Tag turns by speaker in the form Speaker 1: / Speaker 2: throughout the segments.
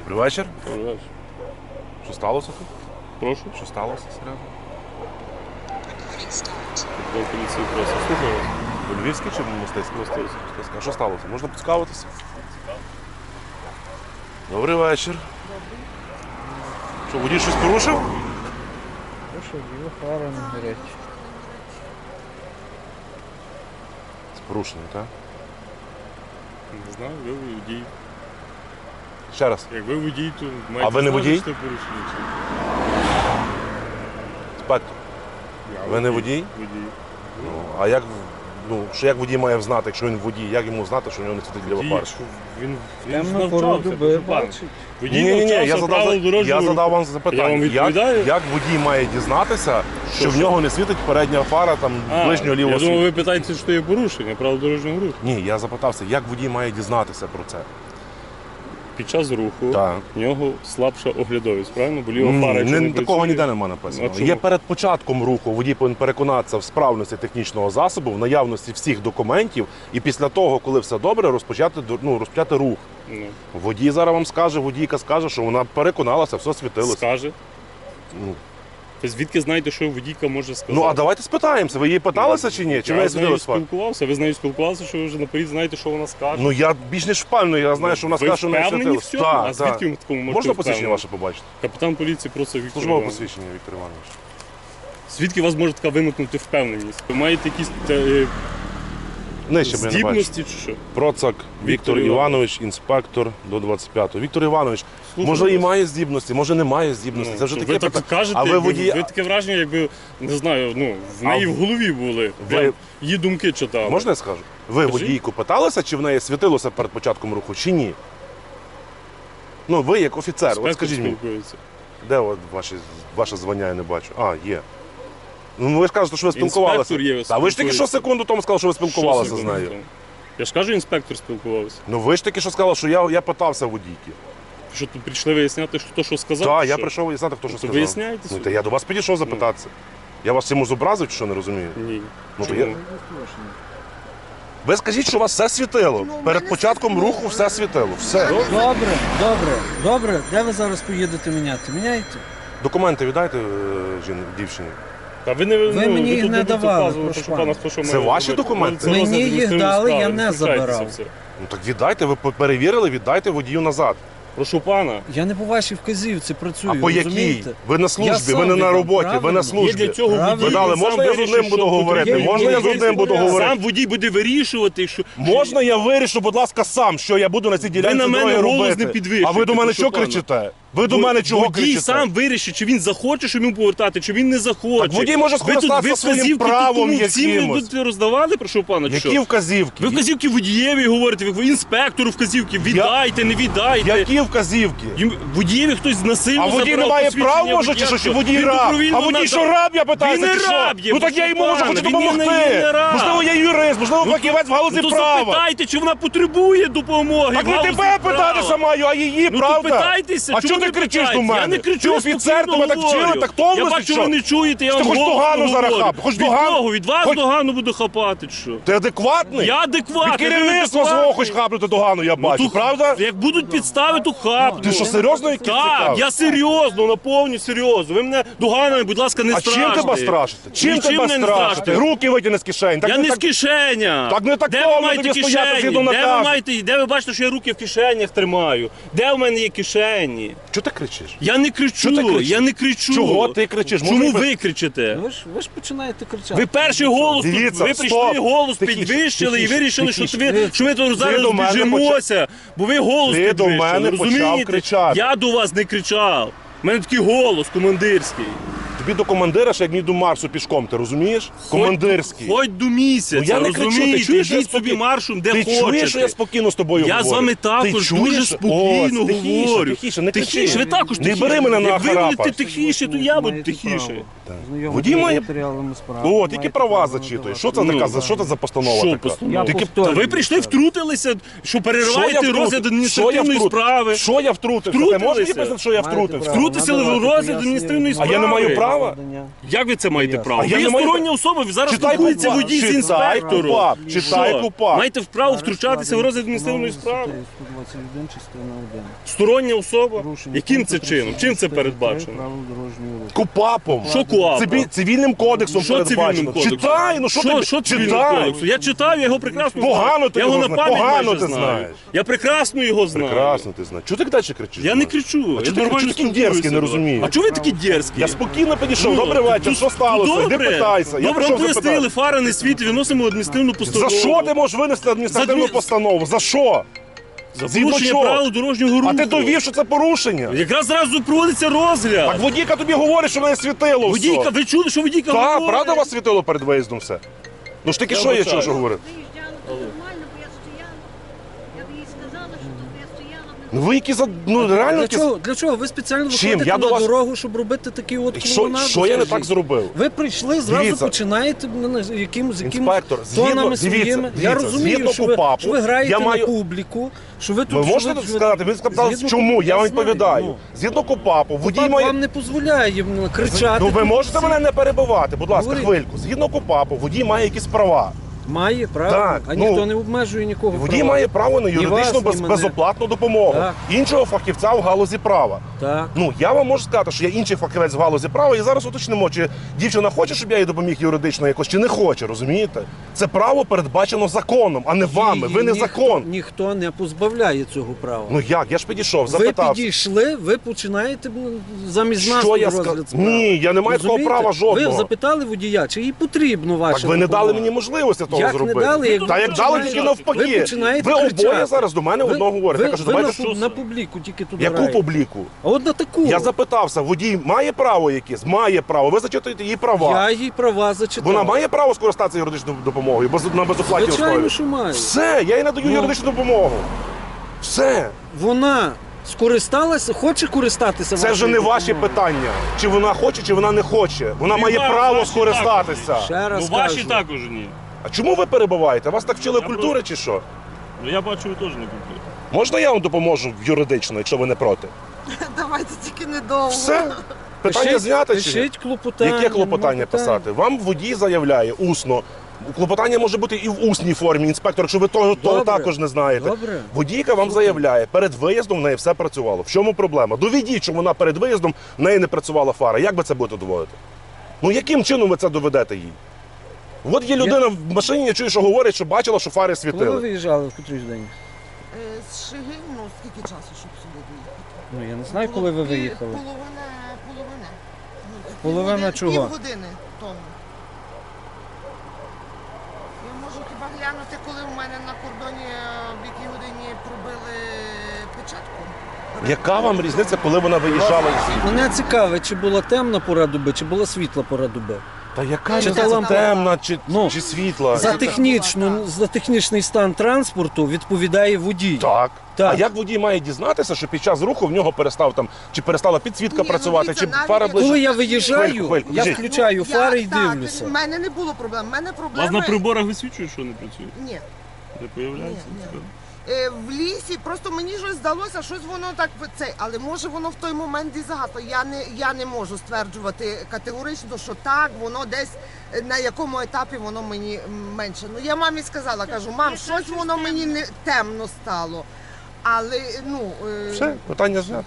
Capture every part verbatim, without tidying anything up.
Speaker 1: Добрий вечір.
Speaker 2: Добрий вечір.
Speaker 1: Що сталося тут?
Speaker 2: Прошу.
Speaker 1: Що сталося, серйозно?
Speaker 2: До поліції просить. Слухаю вас.
Speaker 1: Ви львівський чи мостицький?
Speaker 2: Мостицький.
Speaker 1: А що сталося? Можна поцікавитися? Добрий вечір. Що, водій щось порушив?
Speaker 3: Що, його фара не горять.
Speaker 1: З порушенням, так?
Speaker 2: Не знаю, ви водій.
Speaker 1: Ще раз.
Speaker 2: Як ви водій, то маєте
Speaker 1: А ви не
Speaker 2: знати,
Speaker 1: водій?
Speaker 2: що це порушення.
Speaker 1: Інспектор.
Speaker 2: Я
Speaker 1: Ви не водій?
Speaker 2: Водій.
Speaker 1: Ну, а як, ну, що як водій має знати, якщо він водій? Як йому знати, що в нього не світить ліва
Speaker 2: Водій,
Speaker 1: фара?
Speaker 2: що Він, він
Speaker 3: Темну
Speaker 2: навчався,
Speaker 3: пору доби
Speaker 2: прошу пана.
Speaker 3: бачить.
Speaker 2: Водій
Speaker 1: Ні, ні, ні,
Speaker 2: навчався
Speaker 1: я задав,
Speaker 2: правил
Speaker 1: я
Speaker 2: дорожнього
Speaker 1: задав
Speaker 2: руху.
Speaker 1: вам
Speaker 2: Я
Speaker 1: запитання.
Speaker 2: вам
Speaker 1: Як,
Speaker 2: відповідаю?
Speaker 1: як водій має дізнатися, що,
Speaker 2: Що,
Speaker 1: в
Speaker 2: що?
Speaker 1: нього не світить передня фара там
Speaker 2: А,
Speaker 1: ближнього лівого
Speaker 2: Я думав,
Speaker 1: світу?
Speaker 2: ви питаєте, що є порушення правил дорожнього руху.
Speaker 1: Ні, я запитався, як водій має дізнатися про це?
Speaker 2: Під час руху
Speaker 1: Так.
Speaker 2: в нього слабша оглядовість, правильно? Бо ліва
Speaker 1: Ні,
Speaker 2: фара, якщо
Speaker 1: не,
Speaker 2: не
Speaker 1: такого
Speaker 2: працює-
Speaker 1: ніде немає написано.
Speaker 2: А чому?
Speaker 1: Є перед початком руху, водій повинен переконатися в справності технічного засобу, в наявності всіх документів, і після того, коли все добре, розпочати, ну, розпочати рух.
Speaker 2: Ну,
Speaker 1: Водій зараз вам скаже, водійка скаже, що вона переконалася, все світилося.
Speaker 2: скаже.
Speaker 1: Ну,
Speaker 2: Ви звідки знаєте, що водійка може сказати?
Speaker 1: ну а давайте спитаємося, ви її питалися чи ні? Чи в
Speaker 2: Я
Speaker 1: неї
Speaker 2: з нею
Speaker 1: світилося фар?
Speaker 2: спілкувався, ви з нею спілкувалися, що ви вже наперед знаєте, що вона скаже.
Speaker 1: Ну я більш ніж впевнений, я знаю, що вона
Speaker 2: Ви
Speaker 1: скаже, що в неї
Speaker 2: впевнені в
Speaker 1: світилося.
Speaker 2: цьому?
Speaker 1: Так,
Speaker 2: А звідки
Speaker 1: так.
Speaker 2: ви в такому можете
Speaker 1: Можна посвідчення
Speaker 2: впевнені?
Speaker 1: ваше побачити?
Speaker 2: Капітан поліції просить Віктор
Speaker 1: Службове
Speaker 2: Іванович.
Speaker 1: посвідчення, Віктор Іванович.
Speaker 2: Звідки у вас може така виникнути впевненість? Ви маєте якісь е,
Speaker 1: Нижче, б я не бачу.
Speaker 2: здібності чи що?
Speaker 1: Процак Віктор
Speaker 2: Віктор
Speaker 1: Іванович, інспектор до двадцять п'ятого. Віктор Іванович,
Speaker 2: Слухаю
Speaker 1: може і
Speaker 2: вас.
Speaker 1: має здібності, може не має здібності.
Speaker 2: Ну,
Speaker 1: Це вже
Speaker 2: ви
Speaker 1: таке
Speaker 2: так
Speaker 1: питання.
Speaker 2: кажете,
Speaker 1: А ви
Speaker 2: якби-
Speaker 1: водій...
Speaker 2: ви таке враження, якби, не знаю, ну, в
Speaker 1: А
Speaker 2: неї
Speaker 1: в-
Speaker 2: в голові були. Прям її думки читали.
Speaker 1: Можна я скажу? Ви
Speaker 2: Скажіть.
Speaker 1: водійку питалися, чи в неї світилося перед початком руху, чи ні? Ну, ви як офіцер, от
Speaker 2: Спектр
Speaker 1: скажіть мені,
Speaker 2: спілкується.
Speaker 1: де от ваші, ваше звання, я не бачу. А, є. Ну, ви ж кажете, що ви спілкувалися.
Speaker 2: Інспектор є,
Speaker 1: Та ви ж тільки що
Speaker 2: спілкується.
Speaker 1: секунду тому сказали, що ви спілкувалися
Speaker 2: Що
Speaker 1: з
Speaker 2: секунду
Speaker 1: нею.
Speaker 2: тому? Я ж кажу, інспектор спілкувався.
Speaker 1: Ну ви ж таки що сказали, що я, я питався водійки.
Speaker 2: Що тут прийшли виясняти, хто що сказав?
Speaker 1: Так,
Speaker 2: чи
Speaker 1: я
Speaker 2: що?
Speaker 1: прийшов виясняти, хто що
Speaker 2: То
Speaker 1: сказав.
Speaker 2: виясняйте
Speaker 1: Ну,
Speaker 2: собі.
Speaker 1: та я до вас підійшов запитатися. Я вас чимось зобразив, чи що не розумію?
Speaker 2: Ні.
Speaker 1: Ну, то
Speaker 2: Чому?
Speaker 1: я... Ви скажіть, що у вас все світило. Перед початком руху все світило. Все.
Speaker 3: Добре, добре, добре. Де ви зараз поїдете міняти? Міняйте.
Speaker 1: Документи віддайте е, жін, дівчині.
Speaker 2: Та ви не
Speaker 3: Ви
Speaker 2: ну,
Speaker 3: мені їх
Speaker 2: тут
Speaker 3: не
Speaker 2: будете
Speaker 3: давали,
Speaker 2: вказувати,
Speaker 3: прошу
Speaker 2: що
Speaker 3: пана.
Speaker 2: пана, хто що
Speaker 1: Це
Speaker 2: має
Speaker 1: ваші
Speaker 2: робити.
Speaker 1: документи?
Speaker 2: Це
Speaker 3: Мені
Speaker 2: розгляд
Speaker 3: їх
Speaker 2: адміністративної
Speaker 3: дали,
Speaker 2: справи,
Speaker 3: я не
Speaker 2: втручайтеся
Speaker 3: забирав.
Speaker 2: в це.
Speaker 1: Ну так віддайте, ви перевірили, віддайте водію назад.
Speaker 2: Прошу пана.
Speaker 3: Я не по вашій вказівці працюю,
Speaker 1: А по якій?
Speaker 3: розумієте?
Speaker 1: Ви на
Speaker 3: Я
Speaker 1: службі,
Speaker 3: сам
Speaker 1: ви не на
Speaker 3: віддам,
Speaker 1: роботі, ви на
Speaker 3: правильно.
Speaker 1: службі.
Speaker 2: Є для цього
Speaker 3: Правильно.
Speaker 2: водій.
Speaker 1: Ви дали,
Speaker 2: він
Speaker 1: можна
Speaker 2: сам
Speaker 1: я з
Speaker 2: вирішить,
Speaker 1: одним буду
Speaker 2: що
Speaker 1: говорити?
Speaker 2: потрібно.
Speaker 1: Можна я з одним буду говорити?
Speaker 2: Сам водій буде вирішувати, що...
Speaker 1: Можна я вирішу, будь ласка, сам, що я буду на цій ділянці
Speaker 2: на мене
Speaker 1: дороги
Speaker 2: голос
Speaker 1: робити?
Speaker 2: не підвищуйте,
Speaker 1: А ви до мене
Speaker 2: прошу
Speaker 1: що
Speaker 2: пана.
Speaker 1: кричите? Ви до мене чого
Speaker 2: Водій
Speaker 1: кричите?
Speaker 2: сам вирішить, чи він захоче, щоб йому повертати, чи він не захоче.
Speaker 1: Так водій може
Speaker 2: Ви тут-
Speaker 1: скористатися
Speaker 2: ви
Speaker 1: своїм
Speaker 2: вказівки
Speaker 1: правом
Speaker 2: тут всім ви
Speaker 1: якимось.
Speaker 2: будете роздавали, прошу пана, чи
Speaker 1: Які
Speaker 2: що?
Speaker 1: вказівки?
Speaker 2: Ви вказівки водієві говорите, ви інспектору вказівки, віддайте, не віддайте.
Speaker 1: Які вказівки?
Speaker 2: Їм- Водієві хтось насильно
Speaker 1: А водій не
Speaker 2: забрав
Speaker 1: має
Speaker 2: посвідчення
Speaker 1: прав, може, чи
Speaker 2: водія,
Speaker 1: що? Чи водій
Speaker 2: він
Speaker 1: раб?
Speaker 2: добровільно
Speaker 1: А водій
Speaker 2: надав.
Speaker 1: що раб, я питаюся,
Speaker 2: Він не
Speaker 1: чи що?
Speaker 2: раб є,
Speaker 1: Ну так я йому можу
Speaker 2: пане,
Speaker 1: хочу
Speaker 2: він не-
Speaker 1: допомогти.
Speaker 2: він не раб.
Speaker 1: Можливо, я юрист, можливо, фахівець в галузі
Speaker 2: Ну то
Speaker 1: права.
Speaker 2: запитайте, чи вона потребує допомоги.
Speaker 1: Так
Speaker 2: в
Speaker 1: не
Speaker 2: галузі
Speaker 1: тебе
Speaker 2: права.
Speaker 1: питатися маю, а її,
Speaker 2: Ну
Speaker 1: правда?
Speaker 2: то питайтеся,
Speaker 1: А
Speaker 2: чому
Speaker 1: чого ти
Speaker 2: ви
Speaker 1: кричиш до
Speaker 2: питаєте?
Speaker 1: мене?
Speaker 2: Я не кричу,
Speaker 1: Ти
Speaker 2: я
Speaker 1: офіцер,
Speaker 2: спокійно
Speaker 1: тебе так вчили,
Speaker 2: говорю.
Speaker 1: так томно,
Speaker 2: Я
Speaker 1: чи
Speaker 2: бачу,
Speaker 1: що?
Speaker 2: ви не чуєте, я
Speaker 1: Ти
Speaker 2: вам
Speaker 1: хоч
Speaker 2: голосно
Speaker 1: догану зараз
Speaker 2: говорю.
Speaker 1: хап, хоч
Speaker 2: Від
Speaker 1: догану.
Speaker 2: кого? Від вас
Speaker 1: Хоч-
Speaker 2: догану буду хапати, чи що?
Speaker 1: Ти адекватний?
Speaker 2: Я адекватний.
Speaker 1: Від
Speaker 2: ви
Speaker 1: керівництва
Speaker 2: адекватний.
Speaker 1: свого хоч хапнути догану, я бачу,
Speaker 2: Ну, то-
Speaker 1: правда?
Speaker 2: Як будуть підстави, то хапну.
Speaker 1: Ти що, серйозно якийсь
Speaker 2: Так,
Speaker 1: цікавий?
Speaker 2: я серйозно, наповню серйозно. Ви мене доганами, будь ласка, не
Speaker 1: А
Speaker 2: страште.
Speaker 1: чим тебе страшите? Чим
Speaker 2: Нічим
Speaker 1: тебе
Speaker 2: мене не
Speaker 1: страшите?
Speaker 2: страшите.
Speaker 1: Руки витягни з кишень. Так
Speaker 2: Я
Speaker 1: не
Speaker 2: не
Speaker 1: так...
Speaker 2: з кишеня.
Speaker 1: Так не так
Speaker 2: Де
Speaker 1: томно
Speaker 2: ви маєте
Speaker 1: тобі стояти
Speaker 2: кишені?
Speaker 1: згідно
Speaker 2: Де ви
Speaker 1: наказу.
Speaker 2: маєте, де ви бачите, що я руки в кишенях тримаю? Де в мене є кишені?
Speaker 1: Чого ти кричиш?
Speaker 2: Я не
Speaker 1: Що ти
Speaker 2: кричу,
Speaker 1: кричиш?
Speaker 2: я не кричу.
Speaker 1: Чого ти кричиш?
Speaker 2: Чому
Speaker 1: Може,
Speaker 2: ви кричите?
Speaker 3: Ви ж, ви ж починаєте кричати.
Speaker 2: Ви перший голос, тут,
Speaker 1: Дивіться,
Speaker 2: ви
Speaker 1: стоп.
Speaker 2: прийшли голос
Speaker 1: Тихіше,
Speaker 2: підвищили
Speaker 1: тихіше,
Speaker 2: і вирішили, що
Speaker 1: тихіше.
Speaker 2: ви, що ви тут зараз
Speaker 1: до мене
Speaker 2: біжимося, бо ви голос
Speaker 1: Ти до
Speaker 2: підвищили,
Speaker 1: мене почав
Speaker 2: розумієте?
Speaker 1: кричати.
Speaker 2: Я до вас не кричав. У мене такий голос командирський.
Speaker 1: Тобі до командира, ще як мені до Марсу пішком, ти розумієш? Командирський.
Speaker 2: Хоч до місяця,
Speaker 1: Ну, я не кричу,
Speaker 2: розумієте?
Speaker 1: ти чуєш, що я
Speaker 2: Йдіть собі
Speaker 1: спокій-
Speaker 2: маршем, де
Speaker 1: Ти
Speaker 2: хочете.
Speaker 1: чуєш, що я спокійно з тобою
Speaker 2: Я
Speaker 1: говорю?
Speaker 2: з вами
Speaker 1: Ти
Speaker 2: також
Speaker 1: чуєш?
Speaker 2: дуже спокійно
Speaker 1: Ось, тихіше,
Speaker 2: говорю.
Speaker 1: Тихіше, не кричи.
Speaker 2: Тихіше, ви також
Speaker 1: Не
Speaker 2: тихіше.
Speaker 1: бери мене на
Speaker 2: Як ви будете
Speaker 1: харапа.
Speaker 2: тихіше, то я буду тихіше.
Speaker 1: Водій має-
Speaker 3: матеріалами справи.
Speaker 1: О, тільки права зачитуєш. Що це
Speaker 2: Ну,
Speaker 1: така, за- що це за постанова
Speaker 2: Що
Speaker 1: така?
Speaker 2: постанова?
Speaker 1: Тільки-
Speaker 3: повторюю.
Speaker 2: Та ви прийшли, втрутилися, що
Speaker 1: Що я
Speaker 2: перериваєте
Speaker 1: втрутив?
Speaker 2: розгляд
Speaker 1: Що я
Speaker 2: адміністративної
Speaker 1: втрутив?
Speaker 2: справи.
Speaker 1: Що я втрутився? Ти можеш мені
Speaker 2: Втрутилися.
Speaker 1: пояснити, що я
Speaker 3: Маєте
Speaker 1: втрутився?
Speaker 3: право.
Speaker 2: Втрутися в
Speaker 3: Надавати
Speaker 2: розгляд
Speaker 3: пояснення.
Speaker 2: адміністративної
Speaker 1: А
Speaker 2: справи.
Speaker 1: я не маю права права?
Speaker 3: Завдання.
Speaker 2: Як ви це маєте
Speaker 3: Ясно.
Speaker 2: право?
Speaker 1: А я
Speaker 2: Ви є
Speaker 1: не маю
Speaker 2: стороння особа, ви зараз
Speaker 1: Читай
Speaker 2: спілкуєтеся
Speaker 1: КУПАП,
Speaker 2: водій з
Speaker 1: читай
Speaker 2: інспектором.
Speaker 1: КУПАП, читай
Speaker 2: Що?
Speaker 1: КУПАП.
Speaker 2: Маєте вправо втручатися в розгляд адміністративної справи?
Speaker 3: сто двадцять один, частина один.
Speaker 2: Стороння особа?
Speaker 3: Порушення
Speaker 2: Яким це
Speaker 3: пункту
Speaker 2: чином? Чим це
Speaker 3: тридцять
Speaker 2: передбачено?
Speaker 3: правил дорожнього руху.
Speaker 1: КУПАПом.
Speaker 2: Що КУАПом?
Speaker 1: Циві- Цивільним кодексом
Speaker 2: Що цивільним
Speaker 1: передбачено.
Speaker 2: кодексом?
Speaker 1: Читай, ну що
Speaker 2: що,
Speaker 1: ти
Speaker 2: що цивільним
Speaker 1: читай.
Speaker 2: кодексом? Я читав, я його прекрасно
Speaker 1: Погано
Speaker 2: знаю.
Speaker 1: ти
Speaker 2: я його
Speaker 1: його
Speaker 2: на
Speaker 1: знаєш,
Speaker 2: пам'ять
Speaker 1: погано
Speaker 2: майже
Speaker 1: ти
Speaker 2: знаю.
Speaker 1: знаєш.
Speaker 2: Я прекрасно його знаю.
Speaker 1: Прекрасно ти знаєш. Чого ти далі кричиш?
Speaker 2: Я не кричу.
Speaker 1: А
Speaker 2: я
Speaker 1: чого ти
Speaker 2: нормально
Speaker 1: чого такий
Speaker 2: спілкуюся.
Speaker 1: дерзкий, не розумію?
Speaker 2: А чого ви такі дерзкі?
Speaker 1: Я спокійно підійшов.
Speaker 2: Ну,
Speaker 1: Добрий вечір,
Speaker 2: тут-
Speaker 1: що сталося?
Speaker 2: Добре.
Speaker 1: Іди питайся. Я
Speaker 2: Добре,
Speaker 1: прийшов
Speaker 2: вам пояснили,
Speaker 1: запитати.
Speaker 2: фара не світить, виносимо адміністративну постанову.
Speaker 1: За що ти можеш винести адміністративну
Speaker 2: За дві-
Speaker 1: постанову? За що?
Speaker 2: За
Speaker 1: Згідно
Speaker 2: порушення
Speaker 1: чого?
Speaker 2: правил дорожнього руху.
Speaker 1: А ти довів, що це порушення.
Speaker 2: Якраз зразу проводиться розгляд.
Speaker 1: Так водійка тобі говорить, що в неї світило
Speaker 2: Водійка,
Speaker 1: все.
Speaker 2: ви чули, що водійка
Speaker 1: Так,
Speaker 2: говорить?
Speaker 1: правда у вас світило перед виїздом все? Ну ж таки,
Speaker 2: Я
Speaker 1: що є,
Speaker 2: вибачаю.
Speaker 1: що, що говорить?
Speaker 4: Виїжджала, то нормально, бо я стояла. Я б їй сказала, що тут я стояла.
Speaker 1: Ну ви які за... Ну реально
Speaker 3: Для
Speaker 1: які...
Speaker 3: чого? Для чого? Ви спеціально
Speaker 1: Чим?
Speaker 3: виходите
Speaker 1: Я до
Speaker 3: на
Speaker 1: вас-
Speaker 3: дорогу, щоб робити такий от
Speaker 1: Що,
Speaker 3: клоунаду,
Speaker 1: що я не
Speaker 3: скажіть?
Speaker 1: так зробив?
Speaker 3: Ви прийшли, зразу
Speaker 1: Дивіться.
Speaker 3: починаєте ну, на- з якимось, з якимось
Speaker 1: Інспектор, згідно-
Speaker 3: тонами
Speaker 1: дивіться,
Speaker 3: своїми.
Speaker 1: дивіться,
Speaker 3: я розумію,
Speaker 1: згідно
Speaker 3: що ви,
Speaker 1: КУПАПу,
Speaker 3: що ви граєте
Speaker 1: я маю-
Speaker 3: на публіку, що ви тут...
Speaker 1: Ви
Speaker 3: що
Speaker 1: можете
Speaker 3: ви-
Speaker 1: сказати? Ви сказали,
Speaker 3: Згідно
Speaker 1: чому? Я вам
Speaker 3: КУПАПу,
Speaker 1: відповідаю.
Speaker 3: ну.
Speaker 1: Згідно КУПАПу, водій
Speaker 3: КУПАП
Speaker 1: має...
Speaker 3: вам не дозволяє ну, кричати.
Speaker 1: Ну ви
Speaker 3: тут
Speaker 1: можете
Speaker 3: всі.
Speaker 1: мене не перебивати, будь ласка,
Speaker 3: Говоріть.
Speaker 1: хвильку. Згідно КУПАПу, водій має якісь права.
Speaker 3: Має, правда?
Speaker 1: Так,
Speaker 3: а
Speaker 1: ну,
Speaker 3: ніхто не обмежує нікого
Speaker 1: Водій
Speaker 3: права.
Speaker 1: має право на
Speaker 3: Ні
Speaker 1: юридичну
Speaker 3: вас,
Speaker 1: без,
Speaker 3: ні мене.
Speaker 1: безоплатну допомогу.
Speaker 3: Так.
Speaker 1: Іншого фахівця в галузі права.
Speaker 3: Так.
Speaker 1: Ну, я вам можу сказати, що я інший фахівець в галузі права, і зараз уточнимо, чи дівчина хоче, щоб я їй допоміг юридично якось, чи не хоче, розумієте? Це право передбачено законом, а не вами. Ви не
Speaker 3: Ніхто-
Speaker 1: закон.
Speaker 3: Ніхто не позбавляє цього права.
Speaker 1: Ну як? Я ж підійшов,
Speaker 3: ви
Speaker 1: запитав.
Speaker 3: підійшли, ви починаєте ну, замість нас
Speaker 1: Що я
Speaker 3: розгляд
Speaker 1: сказав?
Speaker 3: справи.
Speaker 1: Ні, я не маю такого
Speaker 3: Розумієте?
Speaker 1: права жодного.
Speaker 3: Ви запитали водія, чи їй потрібно ваше
Speaker 1: Так ви не дали
Speaker 3: допомога?
Speaker 1: мені можливості того
Speaker 3: Як не
Speaker 1: зробити.
Speaker 3: дали, як
Speaker 1: Та
Speaker 3: ви
Speaker 1: як дали,
Speaker 3: починаєте-
Speaker 1: тільки навпаки.
Speaker 3: ви починаєте
Speaker 1: Ви
Speaker 3: кричати.
Speaker 1: обоє зараз до мене
Speaker 3: Ви-
Speaker 1: одного говорите.
Speaker 3: Ви,
Speaker 1: Я кажу,
Speaker 3: ви
Speaker 1: давайте
Speaker 3: на,
Speaker 1: що?
Speaker 3: на публіку тільки тут
Speaker 1: Яку
Speaker 3: граєте.
Speaker 1: публіку?
Speaker 3: А от на таку.
Speaker 1: Я запитався, водій має право якесь? Має право. Ви зачитуєте її права.
Speaker 3: Я їй права зачитав.
Speaker 1: Вона має право скористатися юридичною допомогою без- на безоплатній
Speaker 3: Звичайно,
Speaker 1: основі?
Speaker 3: що має.
Speaker 1: Все, я їй надаю
Speaker 3: Ну.
Speaker 1: юридичну допомогу. Все.
Speaker 3: Вона скористалася, хоче користатися
Speaker 1: Це вже
Speaker 3: вашою
Speaker 1: не ваші
Speaker 3: допомогою?
Speaker 1: питання. Чи вона хоче, чи вона не хоче. Вона
Speaker 2: І
Speaker 1: має
Speaker 2: ваші
Speaker 1: право
Speaker 2: також.
Speaker 1: скористатися.
Speaker 3: Ще раз
Speaker 2: Ну ваші
Speaker 3: кажу.
Speaker 2: також ні.
Speaker 1: А чому ви перебуваєте? Вас так вчили
Speaker 2: Я
Speaker 1: культури
Speaker 2: просто-
Speaker 1: чи що?
Speaker 2: Ну я бачу, ви теж не купили.
Speaker 1: Можна я вам допоможу юридично, якщо ви не проти?
Speaker 4: Давайте тільки недовго.
Speaker 1: Все. Питання
Speaker 3: Пишіть-
Speaker 1: зняти чи ні?
Speaker 3: Пишіть клопотання.
Speaker 1: Яке клопотання
Speaker 3: нема питань.
Speaker 1: писати? Вам водій заявляє усно. Клопотання може бути і в усній формі, інспектор, якщо ви того, того
Speaker 3: Добре.
Speaker 1: також не знаєте.
Speaker 3: Добре.
Speaker 1: Водійка вам заявляє, перед виїздом в неї все працювало. В чому проблема? Доведіть, що вона перед виїздом в неї не працювала фара. Як ви це будете доводити? Ну яким чином ви це доведете їй? От є людина в машині, я чую, що говорить, що бачила, що фари
Speaker 3: Коли ви
Speaker 1: світили.
Speaker 3: виїжджали в котрий день?
Speaker 4: Е, З Шиги, ну скільки часу, щоб сюди доїхати?
Speaker 3: Ну я не знаю, коли ви
Speaker 4: Пів-
Speaker 3: виїхали.
Speaker 4: Половина, половина. Ну,
Speaker 3: Половина
Speaker 4: півгодини-
Speaker 3: чого?
Speaker 4: Півгодини тому. Я можу хіба глянути, коли у мене на кордоні е, в якій годині пробили печатку?
Speaker 1: Яка вам різниця, коли вона виїжджала?
Speaker 3: Мене цікавить, чи була темна пора доби, чи була світла пора доби.
Speaker 1: Та яка
Speaker 3: Чи
Speaker 1: різниця,
Speaker 3: талант-
Speaker 1: темна чи,
Speaker 3: Ну,
Speaker 1: чи світла?
Speaker 3: За,
Speaker 4: це
Speaker 3: технічну,
Speaker 4: була, так.
Speaker 3: за технічний стан транспорту відповідає водій.
Speaker 1: Так.
Speaker 3: Так.
Speaker 1: А як водій має дізнатися, що під час руху в нього перестав там, чи перестала підсвітка
Speaker 4: Ні, ну,
Speaker 1: працювати,
Speaker 4: дивіться,
Speaker 1: чи
Speaker 4: навіть
Speaker 1: фара
Speaker 4: якщо-
Speaker 1: ближче?
Speaker 3: Коли я виїжджаю,
Speaker 1: Хвильку, хвильку,
Speaker 3: я
Speaker 1: біжіть.
Speaker 3: включаю
Speaker 4: Ну,
Speaker 3: фари
Speaker 4: я-
Speaker 3: і
Speaker 4: так,
Speaker 3: дивлюся.
Speaker 4: У мене не було проблем. У мене
Speaker 2: У вас
Speaker 4: проблеми...
Speaker 2: на приборах висвічує, що не працює?
Speaker 4: Ні.
Speaker 2: Не появляється?
Speaker 4: Ні, ні. Е, в лісі просто мені щось здалося, щось воно так це, але може воно в той момент і загато. Я не я не можу стверджувати категорично, що так, воно десь е, на якому етапі воно мені м, менше. Ну я мамі сказала, кажу, мам, щось воно мені не темно стало. Але ну е,
Speaker 1: Все, питання знято.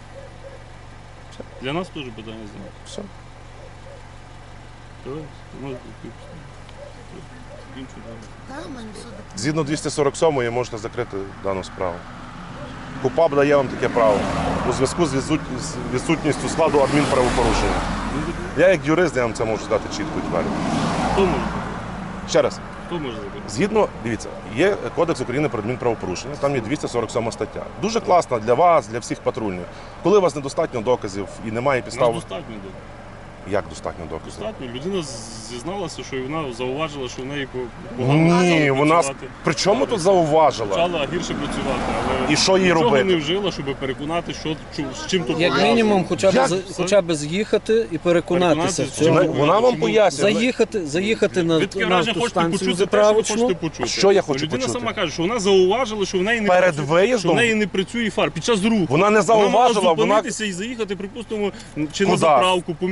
Speaker 2: Для нас теж питання знає.
Speaker 1: Все.
Speaker 2: Давай, можете закінчити.
Speaker 4: та, в мене все добре.
Speaker 1: Згідно двісті сорок сьомої можете закрити дану справу. КУПАП дає вам таке право у зв'язку з відсут- з відсутністю складу адмінправопорушення. Я як юрист, я вам це можу сказати чітко і твердо.
Speaker 2: Хто може?
Speaker 1: Ще раз.
Speaker 2: Хто може закрити?
Speaker 1: Згідно, дивіться, є Кодекс України про адмінправопорушення, там є двісті сорок сьома стаття. Дуже класна для вас, для всіх патрульних. Коли у вас недостатньо доказів і немає
Speaker 2: Нас
Speaker 1: підстав,
Speaker 2: достатньо до.
Speaker 1: як достатньо доказів?
Speaker 2: Достатньо. Людина з- зізналася, що вона зауважила, що в неї по-
Speaker 1: Ні,
Speaker 2: погано
Speaker 1: вона
Speaker 2: працювати.
Speaker 1: при чому тут зауважила?
Speaker 2: Почала гірше працювати, але
Speaker 1: І що їй
Speaker 2: нічого
Speaker 1: робити?
Speaker 2: не вжила, щоб переконати, що чу- з чим тут
Speaker 3: Як
Speaker 2: пов'язано.
Speaker 3: мінімум, хоча б,
Speaker 1: Як?
Speaker 3: з- хоча б з'їхати і переконатися в
Speaker 2: Переконатися,
Speaker 3: цьому.
Speaker 2: чому-
Speaker 1: Вона вам
Speaker 2: чому-
Speaker 1: пояснює.
Speaker 3: Заїхати, заїхати на,
Speaker 2: Ви таке
Speaker 3: на
Speaker 2: враження хочете
Speaker 3: автостанцію
Speaker 2: почути те, що ви
Speaker 3: заправочну.
Speaker 2: хочете почути.
Speaker 1: Що я хочу
Speaker 2: Людина
Speaker 1: почути?
Speaker 2: сама каже, що вона зауважила, що в неї не
Speaker 1: Перед
Speaker 2: працює,
Speaker 1: виїздом?
Speaker 2: що в неї не працює фар під час руху.
Speaker 1: Вона не
Speaker 2: Вона
Speaker 1: зауважила,
Speaker 2: мала
Speaker 1: вона
Speaker 2: зупинитися і заїхати, припустимо, чи на
Speaker 1: Куда?
Speaker 2: заправку, поміняти лампу.